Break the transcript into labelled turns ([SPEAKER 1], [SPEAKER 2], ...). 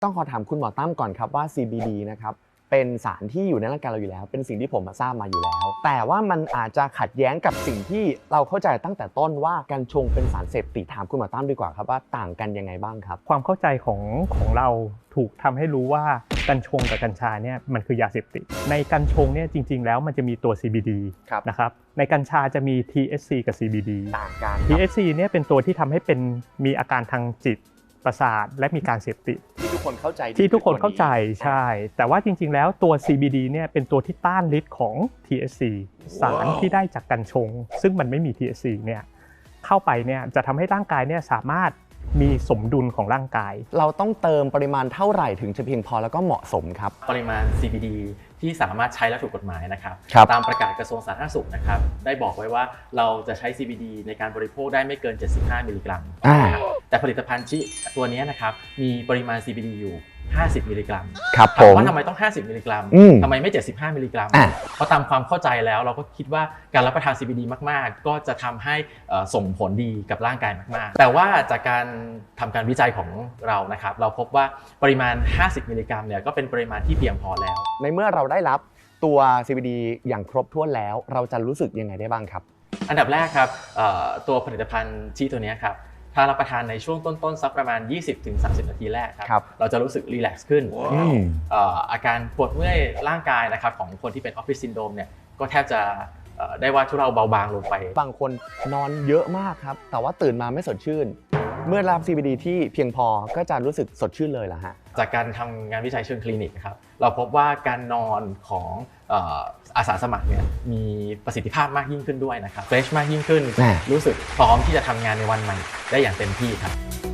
[SPEAKER 1] ต้องขอถามคุณหมอตั้มก่อนครับว่า CBD นะครับเป็นสารที่อยู่ในร่างกายเราอยู่แล้วเป็นสิ่งที่ผมทราบมาอยู่แล้วแต่ว่ามันอาจจะขัดแย้งกับสิ่งที่เราเข้าใจตั้งแต่ต้นว่ากัญชงเป็นสารเสพติดถามคุณหมอตั้มดีกว่าครับว่าต่างกันยังไงบ้างครับ
[SPEAKER 2] ความเข้าใจของเราถูกทำให้รู้ว่ากัญชงกับกัญชาเนี่ยมันคือยาเสพติดในกัญชงเนี่ยจริงๆแล้วมันจะมีตัว CBD นะครับในกัญชาจะมี THC กับ CBD
[SPEAKER 1] ต่างกัน
[SPEAKER 2] THC เนี่ยเป็นตัวที่ทำให้มีอาการทางจิตประสาทและมีการเสพติด
[SPEAKER 1] ที่ทุกคนเข้าใจ
[SPEAKER 2] ใช่แต่ว่าจริงๆแล้วตัว CBD เนี่ยเป็นตัวที่ต้านฤทธิ์ของ THC สารที่ได้จากกัญชงซึ่งมันไม่มี THC เนี่ยเข้าไปเนี่ยจะทำให้ร่างกายเนี่ยสามารถมีสมดุลของร่างกาย
[SPEAKER 1] เราต้องเติมปริมาณเท่าไหร่ถึงจะเพียงพอแล้วก็เหมาะสมครับ
[SPEAKER 3] ปริมาณ CBD ที่สามารถใช้และถูกกฎหมายนะครับตามประกาศกระทรวงสาธารณสุขนะครับได้บอกไว้ว่าเราจะใช้ CBD ในการบริโภคได้ไม่เกิน75มิลลิกรัมแต่ผลิตภัณฑ์ตัวนี้นะครับมีปริมาณ CBD อยู่50มิลลิกรัม
[SPEAKER 1] ครับ
[SPEAKER 3] ถามว่าทำไมต้อง50มิลลิกรัมทำไมไม่75มิลลิกรัมเพราะตามความเข้าใจแล้วเราก็คิดว่าการรับประทาน CBD มากๆก็จะทำให้ส่งผลดีกับร่างกายมากๆแต่ว่าจากการทำการวิจัยของเรานะครับเราพบว่าปริมาณ50มิลลิกรัมเนี่ยก็เป็นปริมาณที่เพียงพอแล้ว
[SPEAKER 1] ในเมื่อเราได้รับตัว CBD อย่างครบถ้วนแล้วเราจะรู้สึกยังไงได้บ้างครับ
[SPEAKER 3] อันดับแรกครับตัวผลิตภัณฑ์ตัวนี้ครับถ้ารับประทานในช่วงต้นๆสักประมาณ 20-30 นาทีแรกครับเราจะรู้สึกรีแลกซ์ขึ้นอาการปวดเมื่อยร่างกายนะครับของคนที่เป็นออฟฟิศซินโดรมเนี่ยก็แทบจะได้ว่าทุเลาเบาบางลงไป
[SPEAKER 1] บางคนนอนเยอะมากครับแต่ว่าตื่นมาไม่สดชื่นเมื่อรับ CBD ที่เพียงพอก็จะรู้สึกสดชื่นเลยล่ะฮะ
[SPEAKER 3] จากการทำงานวิจัยเชิงคลินิกครับเราพบว่าการนอนของอาสาสมัครเนี่ยมีประสิทธิภาพมากยิ่งขึ้นด้วยนะครับเฟรชมากยิ่งขึ้นรู้สึกพร้อมที่จะทำงานในวันใหม่ได้อย่างเต็มที่ครับ